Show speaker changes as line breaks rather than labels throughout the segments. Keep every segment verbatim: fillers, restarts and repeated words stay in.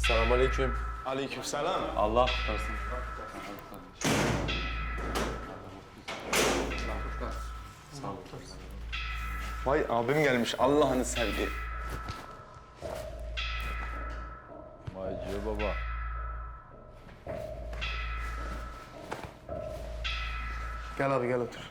Selamünaleyküm.
Aleykümselam.
Allah kurtarsın.
Vay abim gelmiş. Allah'ını sevdi.
Vay Ciyo baba.
Gel abi gel otur.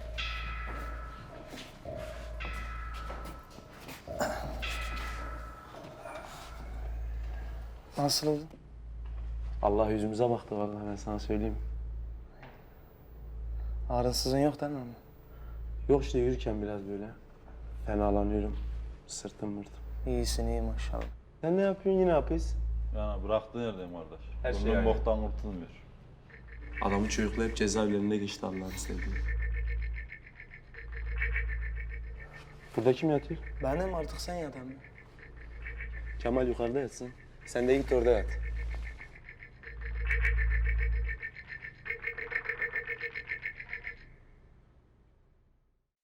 Nasıl oldu?
Allah yüzümüze baktı vallahi, ben sana söyleyeyim.
Ağrısızın yok değil mi?
Yok işte, yürürken biraz böyle fenalanıyorum. Sırtım mırtım.
İyisin iyi maşallah.
Sen ne yapıyorsun, yine yapıyorsun?
Yani bıraktığın yerdeyim kardeş.
Her şey
Bundan
aynı.
boktan kurtulmuyor.
Adamın çocukla hep cezaevlerinde geçti Allah'ını sevdiğim. Burada kim yatıyor?
Benim artık sen yat abi.
Kemal yukarıda yatsın. Sen de git orada yat.